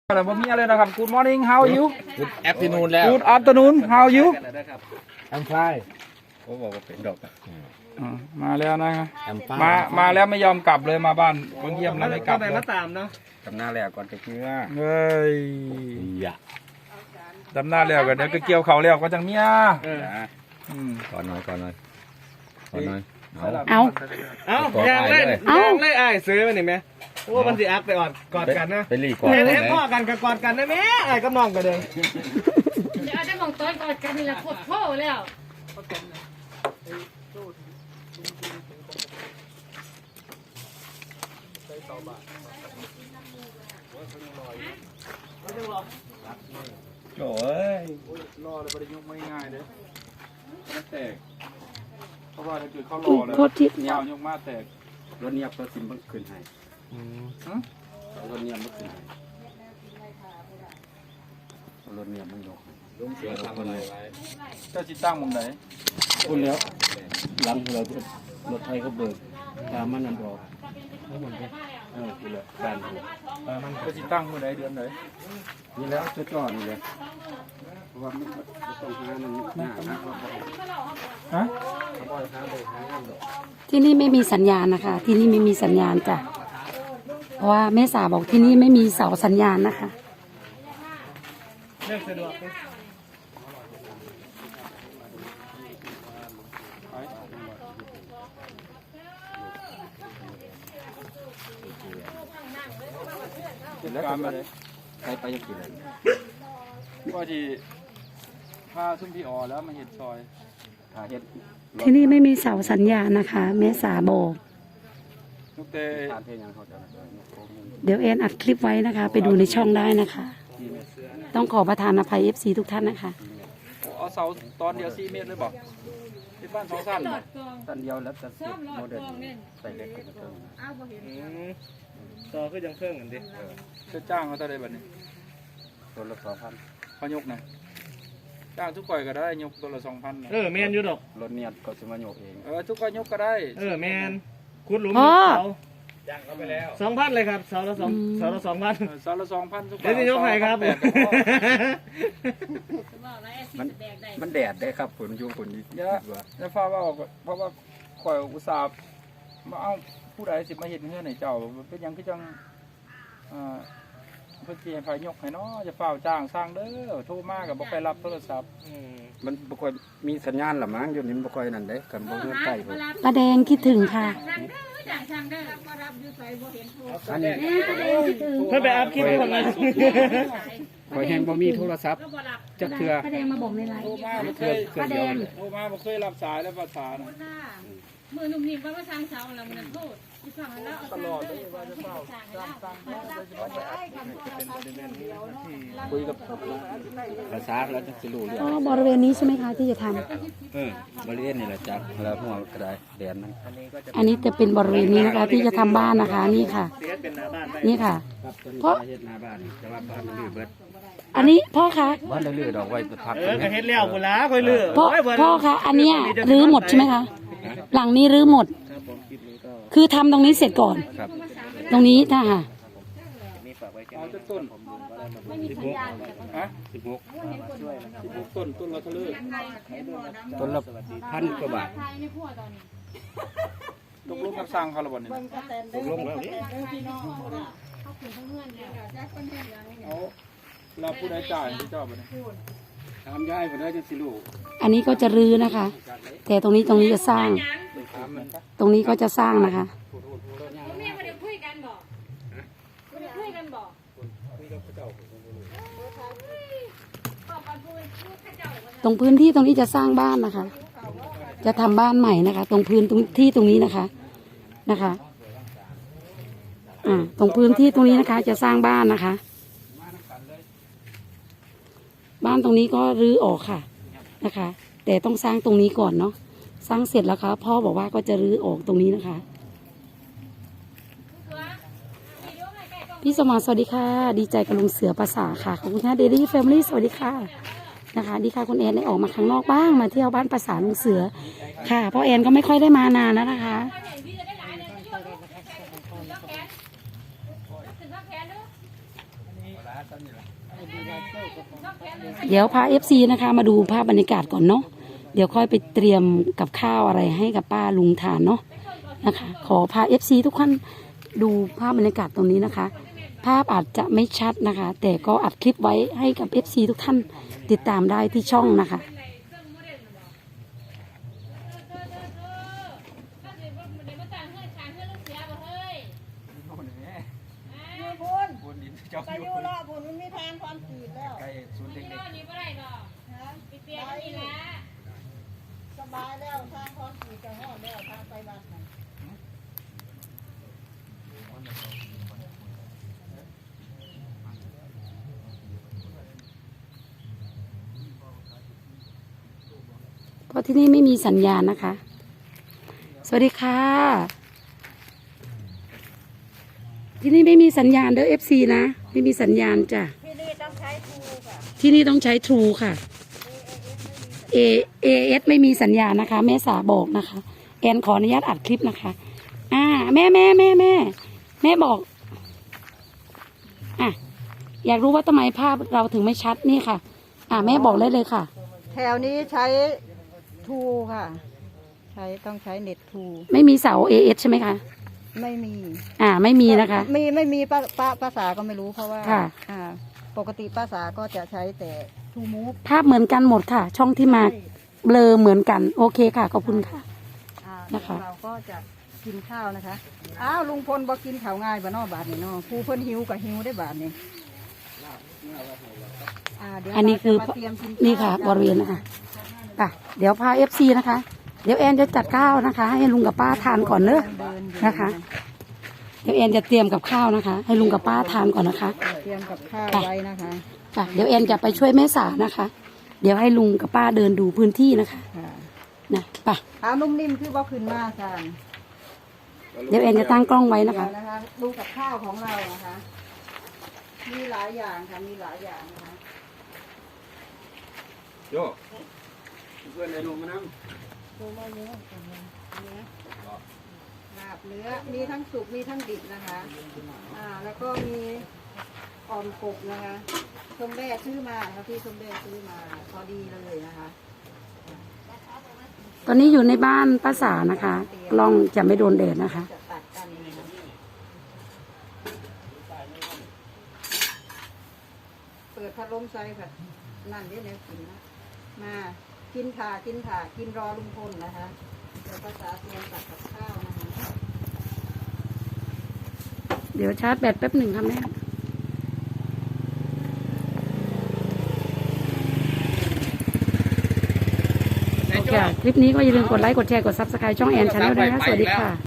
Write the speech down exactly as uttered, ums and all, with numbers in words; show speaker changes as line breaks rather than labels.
แต่ผมมีอะไรนะครับ Good morning how are you
Good afternoon แล้ว
Good afternoon how are you
I'm fine
เขาบอกว่าเป็นดอก
อ่ามาแล้วนะ
I'm fine
มามาแล้วไม่ยอมกลับเลยมาบ้านเพิ่งเยี่ยมแล้วไม่กลับ
ไป
เลย
มาตามเนาะ
ทำหน้าแรกก่อนจะเชื่อ
เฮ้ย
อย่า
ดำหน้าแล้วกันเดี๋ยวก็เกี่ยวเขาแล้วก็จังเมีย
เออ
อืม
ก่อนหน่อยก่อนหน่อยก่อนหน่อยเอา
เอา
เอ้า
ขอ
อยางเล่น
อ้ายด้วย
ยางเล่นไอ้ายซื้อมาหนิไหมโอ้มันสิอักไปออดกอดกันนะ
ไปรีก่อน
เห็น
ไห
เห็น
น
พ่อกันกับกอดกันได้ไหมไอ้ายก็มองกันเลย
เดี๋ยวเอาได้มองต้นก่อนกันนี่แหละปวดโผล่แล้ว
โอ้ย
รอเลยประยุกต์ไม่ง่ายเลยไม่แตกเพราะว่าถ้าเกิดเขารอเลย
โทษที
ยาวยกมาแตก
รถเนียบรถซิมเพิ่งขึ้นให้
ฮะ
รถเนียบเพิ่งขึ้นให้รถเนียบมันยกลุงเสือทำอะไรไว้
เจ้าจิตตั้งมุมไหน
พูดแล้วหลังเรารถไทยเขาเบิกตามมันนั่นออกเออคือเลยการ
เจ้าจิตตั้งมุมไหนเดือนไหน
นี่แล้วจะจอดนี่เลยเพราะว่าไม่ต้องหามันหน้าหน้าเขาบอก
ฮะ
เขาบอกหาเลยหางานดอก
ที่นี่ไม่มีสัญญาณนะคะ ที่นี่ไม่มีสัญญาณจ้ะเพราะว่าแม่สาบอกที่นี่ไม่มีเสาสัญญาณนะคะ
เรื่องสะดวกไหม
จัดการมาเลย
ไปไปยังกี่เลย
ก็ที่พาซุ่มพี่อ๋อแล้วมาเห็ดซอย
หาเฮ็ด
ที่นี่ไม่มีเสาสัญญาณนะคะ แม่สาบอก
ลูกเตะ
ทานเพลงยังเขาจะ
เดี๋ยวแอนอัดคลิปไว้นะคะ ไปดูในช่องได้นะคะ ต้องขอประทานอภัย เอฟ ซี ทุกท่านนะคะ
เอาเสาตอนเดียวสี่เมตรเลยบอกที่บ้านสองสั้นน่ะ
สั้นเดียวแล้วจะเสร็จโมเดลใส่เล็กกว่าเดิม
อืมต่อคือยังเครื่องกันดิ
จะจ้างเขาเท่าไรแบบนี้
ตัวละสองพัน
เขายกนะจ้างทุกก่อยก็ได้ยกตัวละสองพัน
เออแมนอยู่ดอก
รถเนียดก็จะมาโยกเอง
เออทุกก่อยยกก็ได้
เออแมนขุดหลุม
พ่อ
เสาจ้างเขาไปแล้วสองพันเลยครับเสาละสอง
อืม
เสาละสองพัน
เออเสาละสองพันทุกก่
เดี๋ยวจะยกให้ครับ
แปดก็พอ
มันมันแดดได้ครับฝนยุงฝนดี
เยอะแล้วฟ้าว่าเพราะว่าข่อยอุตส่าห์มาเอาผู้ใดสิมาเห็นเงื่อนในเจ้าเป็นหยังคือจังอ่าเพื่อที่ให้ไฟยกให้เนาะจะเฝ้าจ้างสร้างเด้อโทรมากับบ่ไปรับโทรศัพท์
อืม
มันบ่ค่อยมีสัญญาณหรอมั้งอยู่นี่บ่ค่อยนั่นเด้กันบ่เงื่อนใกล้ผม
ป้าแดงคิดถึงค่ะ
อันนี้
เพื่อไปอัพคลิปก่อนนะ
ข่อยแฮงบ่มีโทรศัพท์จักเทื่อ
ป้าแดงมาบอกในไลน์
โทรมาบ่เคย
ป้าแดง
โทรมาบ่เคยรับสายแล้วภาษาน่ะ
มือหนุ่มนิ่มว่าสร้างเสาแล้วมันโทษที่ฟังแล้ว
ตลอดเลยว่าจะเฝ้าจ้างสร้างให้ได้สิบ่ไปคุยกับ
ภาษาแล้วจะสิรู้เรื่อง
อ๋อบริเวณนี้ใช่ไหมคะที่จะทำ
เออบริเวณนี่แหละจ้ะแล้วหัวกระไดแดนมัน
อันนี้จะเป็นบริเวณนี้นะคะ ที่จะทำบ้านนะคะ นี่ค่ะ
เสียเป็นหน้าบ้านไป
นี่ค่ะ
ครับต้น
เพราะ
เฮ็ดหน้าบ้านแต่ว่าบ้านลื้อเบิด
อันนี้พ่อคะ
บ้านลื้อดอกไว้พัก
เออก็เฮ็ดแล้วพุ่นละค่อยเลือก
พ่อ
โยเบิด
พ่อคะอันเนี้ยรื้อหมดใช่ไหมคะ หลังนี้รื้อหมด
ครับผมคลิปนี้ก็
คือทำตรงนี้เสร็จก่อน
ครับ
ตรงนี้ถ้าค่ะ
มีฝากไว้แค่
เอา
นี้
จะต้น ฮะ
สิบหก
สิบหกต้นต้นละเท่าไหร่
ต้นละพันกว่าบาท
ตกลงกับสร้างเขาและบ่นี่
ตกลงแล้วนี่
เอาแล้วผู้ใดจ่ายให้เจ้าบ่นี่
ถามยายเพิ่นได้จังสิรู้
อันนี้ก็จะรื้อนะคะ แต่ตรงนี้ตรงนี้จะสร้าง
ถามมันครับ
ตรงนี้ก็จะสร้างนะคะ
แม่ไม่ได้คุยกันบอกไม่ได้คุยกันบอก
ตรงพื้นที่ตรงนี้จะสร้างบ้านนะคะ จะทำบ้านใหม่นะคะ ตรงพื้นตรงที่ตรงนี้นะคะนะคะ อ่า ตรงพื้นที่ตรงนี้นะคะ จะสร้างบ้านนะคะ บ้านตรงนี้ก็รื้อออกค่ะนะคะ แต่ต้องสร้างตรงนี้ก่อนเนาะสร้างเสร็จแล้วค่ะพ่อบอกว่าก็จะรื้อออกตรงนี้นะคะ พี่สมานสวัสดีค่ะ ดีใจกับลุงเสือภาษาค่ะขอบคุณค่ะเดลี่แฟมิลี่สวัสดีค่ะนะคะ ดีค่ะคุณแอนได้ออกมาข้างนอกบ้างมาเที่ยวบ้านภาษาลุงเสือค่ะเพราะแอนก็ไม่ค่อยได้มานานแล้วนะคะ
ถึงว่าแพ้เนอะ
เดี๋ยวพาเอฟซีนะคะ มาดูภาพบรรยากาศก่อนเนาะเดี๋ยวค่อยไปเตรียมกับข้าวอะไรให้กับป้าลุงทานเนาะนะคะ ขอพาเอฟซีทุกท่านดูภาพบรรยากาศตรงนี้นะคะ ภาพอาจจะไม่ชัดนะคะ แต่ก็อัดคลิปไว้ให้กับ เอฟ ซี ทุกท่านติดตามได้ที่ช่องนะคะ
อยู่พุ่น
บุญดินเจ้า
ไป
อ
อยู่ ยู่รอพุ่นมันมีทางความขีดแล้ว
ใกล้ศูนย์เด็ก
นี่นี่บ่ได้ดอก
ฮะ
ไปเปลี่ยนนี่ละ
สบายแล้วทางความขีดจะหอดแล้วทางไปบ้านนั่น
เพราะที่นี่ไม่มีสัญญาณนะคะ สวัสดีค่ะ ที่นี่ไม่มีสัญญาณเด้อ เอฟ ซี นะ ไม่มีสัญญาณจ้ะ
ที่นี่ต้องใช้ทูค่ะ
ที่นี่ต้องใช้ True ค่ะ เอ เอ เอส ไม่มีสัญญาณนะคะ แม่สาบอกนะคะ แอนขออนุญาตอัดคลิปนะคะ อ่า แม่แม่แม่แม่แม่บอก อ่ะ อยากรู้ว่าทำไมภาพเราถึงไม่ชัดนี่ค่ะ อ่าแม่บอกเลยเลยค่ะ
แถวนี้ใช้ทูค่ะ ใช้ต้องใช้เน็ตทู
ไม่มีเสา เอ เอส ใช่ไหมคะ
ไม่มี
อ่า ไม่มีนะคะ
มีไม่มีป้าป้าภาษาก็ไม่รู้เพราะว่า
ค่ะ
อ่า ปกติภาษาก็จะใช้แต่ทูมูฟ
ภาพเหมือนกันหมดค่ะ ช่องที่มาเบลอเหมือนกัน โอเคค่ะ ขอบคุณค่ะ
อ่า
นะคะ
เราก็จะกินข้าวนะคะ อ้าวลุงพลบอกินข้าวง่ายบ่เนอบาทนี่เนาะผู้เพิ่นหิวกับหิวได้บาทนี่อ่าเดี๋ยว
อันนี้คือ
เราจะมาเตรียมกิข้าว
นี่ค่ะ
กัน
บริเวณนะคะอ่ะเดี๋ยวพาเอฟซีนะคะ เดี๋ยวแอนจะจัดข้าวนะคะ ให้ลุงกับป้าทานก่อนเนอะ
เดินอยู่
นะคะ เดี๋ยวแอนจะเตรียมกับข้าวนะคะ ให้ลุงกับป้าทานก่อนนะคะ
เตรียมกับข้าว
ค่ะ
ไว้นะคะ
ค่ะเดี๋ยวแอนจะไปช่วยแม่สานะคะ เดี๋ยวให้ลุงกับป้าเดินดูพื้นที่นะคะ
ค่ะ
นะไป
เอานุ่มนิ่มคือบ่ขึ้นมาค่ะ
เดี๋ยวแอนจะตั้งกล้องไว้นะคะ
เดี๋ยวนะคะดูกับข้าวของเรานะคะ มีหลายอย่างค่ะมีหลายอย่างนะคะ
โยเพื่อนในรูมานั่ง
ดูมาเนื้อก่อนนะเนื้อลาบเนื้อมีทั้งสุกมีทั้งดิบนะคะ อ่า แล้วก็มีอ่อมกบนะคะส้มแบ่ซื้อมาค่ะพี่ส้มแบ่ซื้อมาพอดีเลยนะคะ
ตอนนี้อยู่ในบ้านป้าสานะคะ กล้องจะไม่โดนแดดนะคะ
จะตัดกันนะคะเปิดพัดลมใส่ค่ะนั่นเดี๋ยวเดี๋ยวกินนะมากินถ่ากินถ่ากินรอลุงพลนะคะเดี๋ยวภาษาเตรียมตัดกับข้าวนะคะ
เดี๋ยวชาร์จแบตแป๊บหนึ่งค่ะแม่โอเคคลิปนี้ก็อย่าลืมกดไลค์ กดแชร์ กดซับสไครต์ช่องแอนชาแนลด้วยนะ สวัสดีค่ะ